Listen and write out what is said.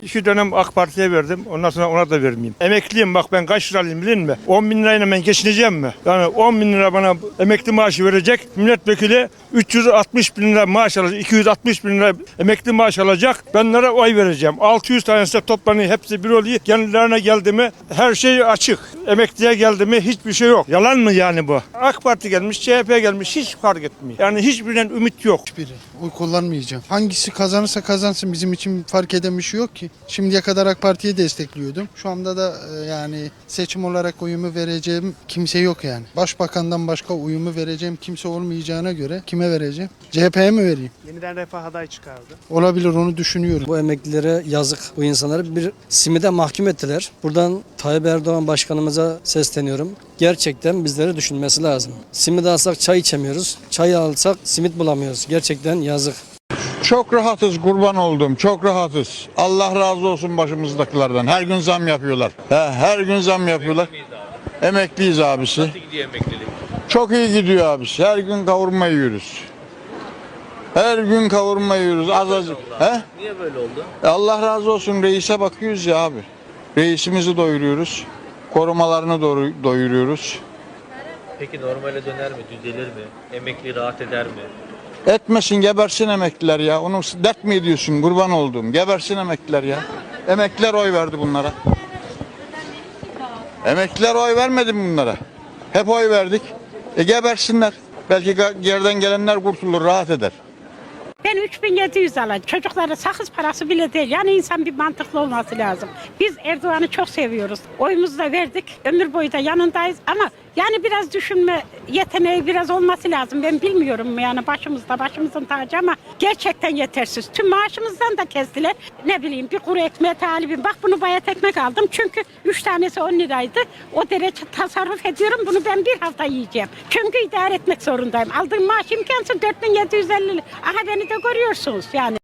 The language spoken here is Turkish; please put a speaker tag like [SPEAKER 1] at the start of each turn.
[SPEAKER 1] 2 dönem AK Parti'ye verdim. Ondan sonra ona da vermeyeyim. Emekliyim, bak ben kaç liralıyım bilin mi? 10 bin lirayla ben geçineceğim mi? Yani 10 bin lira bana emekli maaşı verecek. Milletvekili 360 bin lira maaş alacak. 260 bin lira emekli maaş alacak. Ben onlara oy vereceğim. 600 tanesi de toplanıyor. Hepsi bir oluyor. Kendilerine geldi mi her şey açık. Emekliye geldi mi hiçbir şey yok. Yalan mı yani bu? AK Parti gelmiş, CHP gelmiş, hiç fark etmiyor. Yani hiçbirinden ümit yok.
[SPEAKER 2] Hiçbiri. Oy kullanmayacağım. Hangisi kazanırsa kazansın, bizim için fark eden bir şey yok ki. Şimdiye kadar AK Parti'yi destekliyordum. Şu anda da yani seçim olarak oyumu vereceğim kimse yok yani. Başbakandan başka oyumu vereceğim kimse olmayacağına göre kime vereceğim? CHP'ye mi vereyim?
[SPEAKER 3] Yeniden Refah aday çıkardı.
[SPEAKER 2] Olabilir, onu düşünüyorum.
[SPEAKER 4] Bu emeklilere yazık. Bu insanları bir simide mahkum ettiler. Buradan Tayyip Erdoğan başkanımıza sesleniyorum. Gerçekten bizleri düşünmesi lazım. Simit alsak çay içemiyoruz. Çay alsak simit bulamıyoruz. Gerçekten yazık.
[SPEAKER 5] Çok rahatız, kurban oldum. Çok rahatız. Allah razı olsun başımızdakilerden. Her gün zam yapıyorlar. Her gün zam yapıyorlar. Emekliyiz abisi.
[SPEAKER 6] Nasıl gidiyor emeklilik?
[SPEAKER 5] Çok iyi gidiyor abisi. Her gün kavurma yiyoruz. Her gün kavurma yiyoruz. Azıcık.
[SPEAKER 6] Niye böyle oldu?
[SPEAKER 5] Allah razı olsun, reise bakıyoruz ya abi. Reisimizi doyuruyoruz. Korumalarını doyuruyoruz.
[SPEAKER 6] Peki normale döner mi? Düzelir mi? Emekli rahat eder mi?
[SPEAKER 5] Etmesin, gebersin emekliler ya. Onu dert mi ediyorsun, kurban olduğum? Gebersin emekliler ya. Emekliler oy verdi bunlara. Emekliler oy vermedi mi bunlara? Hep oy verdik. Gebersinler. Belki geriden gelenler kurtulur, rahat eder.
[SPEAKER 7] Ben 3700 alacağım. Çocuklara sakız parası bile değil. Yani insan bir mantıklı olması lazım. Biz Erdoğan'ı çok seviyoruz. Oyumuzu da verdik. Ömür boyu da yanındayız. Ama yani biraz düşünme yeteneği biraz olması lazım. Ben bilmiyorum yani başımızın tacı ama gerçekten yetersiz. Tüm maaşımızdan da kestiler. Ne bileyim bir kuru ekmeğe talibim. Bak bunu bayat ekmek aldım. Çünkü 3 tanesi 10 liraydı. O derece tasarruf ediyorum. Bunu ben bir hafta yiyeceğim. Çünkü idare etmek zorundayım. Aldığım maaş imkansız 4750 lira. Aha beni de görüyorsunuz yani.